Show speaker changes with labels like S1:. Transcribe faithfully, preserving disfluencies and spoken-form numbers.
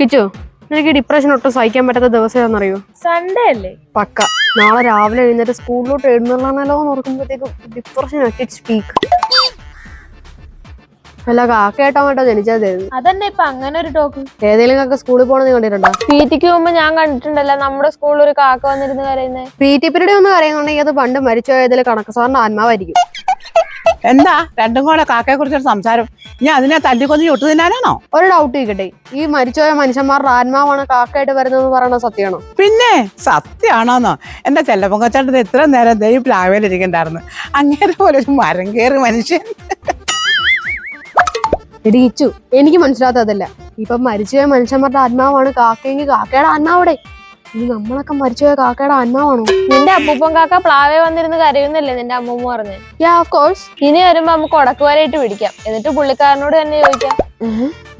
S1: കിച്ചു, എനിക്ക് ഡിപ്രഷൻ ഒട്ടും സഹിക്കാൻ പറ്റാത്ത ദിവസം ഏതാണെന്നറിയോ?
S2: സൺഡേ അല്ലേ?
S1: പക്ക. നാളെ രാവിലെ എഴുന്നേറ്റ് സ്കൂളിലോട്ട് എഴുന്നള്ളാണല്ലോ എന്ന് ഓർക്കുമ്പോഴത്തേക്കും ഡിപ്രഷൻ ആക്കി സ്പീക്ക്. അല്ല കാക്കയായിട്ടോ കേട്ടോ ജനിച്ചതായിരുന്നു.
S2: അതന്നെ ഇപ്പൊ അങ്ങനെ ഒരു ടോക്ക്.
S1: ഏതെങ്കിലും കാക്ക സ്കൂളിൽ പോണെന്ന് കണ്ടിട്ടുണ്ടോ?
S2: പി ടിക്ക് പോകുമ്പോ ഞാൻ കണ്ടിട്ടുണ്ടല്ലോ നമ്മുടെ സ്കൂളിൽ ഒരു കാക്ക വന്നിരുന്ന് കരയുന്നത്.
S1: പി ടി പീരീഡ് ഒന്ന് കരയുന്നുണ്ടെങ്കിൽ അത് പണ്ട് മരിച്ചുപോയതിൽ കണക്ക് സാറിന്റെ ആത്മാവായിരിക്കും.
S3: എന്താ രണ്ടും കൂടെ കാക്കയെ കുറിച്ചൊരു സംസാരം? ഞാൻ അതിനെ തല്ലിക്കൊന്ന് ചുട്ടു തിന്നാനാണോ?
S1: ഒരു ഡൗട്ട് ചോദിക്കട്ടെ, ഈ മരിച്ചുപോയ മനുഷ്യന്മാരുടെ ആത്മാവാണ് കാക്കയായിട്ട് വരുന്നതെന്ന് പറയണത് സത്യമാണോ?
S3: പിന്നെ സത്യമാണോന്നോ? എന്റെ ചെല്ലപ്പൊങ്കച്ചാട്ടത് എത്ര നേരം ദൈ പ്ലാവേലിരിക്കണ്ടായിരുന്നു. അങ്ങേരെ പോലെ ഒരു മരം കയറി മനുഷ്യൻ.
S1: ഇടിച്ചു എനിക്ക് മനസ്സിലാത്തതല്ല. ഇപ്പൊ മരിച്ചുപോയ മനുഷ്യന്മാരുടെ ആത്മാവാണ് കാക്കയെങ്കിൽ കാക്കയുടെ ആത്മാവിടെ. ഇനി നമ്മളൊക്കെ മരിച്ചുപോയ കാക്കയുടെ ആത്മാവാണോ?
S2: നിന്റെ അപ്പൂപ്പൻ കാക്ക പ്ലാവേ വന്നിരുന്ന് കരയുന്നല്ലേ നിന്റെ അമ്മൂമ്മ പറഞ്ഞേ?
S1: Yeah of course.
S2: ഇനി വരുമ്പോ നമുക്ക് ഉടക്കുവരായിട്ട് പിടിക്കാം, എന്നിട്ട് പുള്ളിക്കാരനോട് തന്നെ ചോദിക്കാം.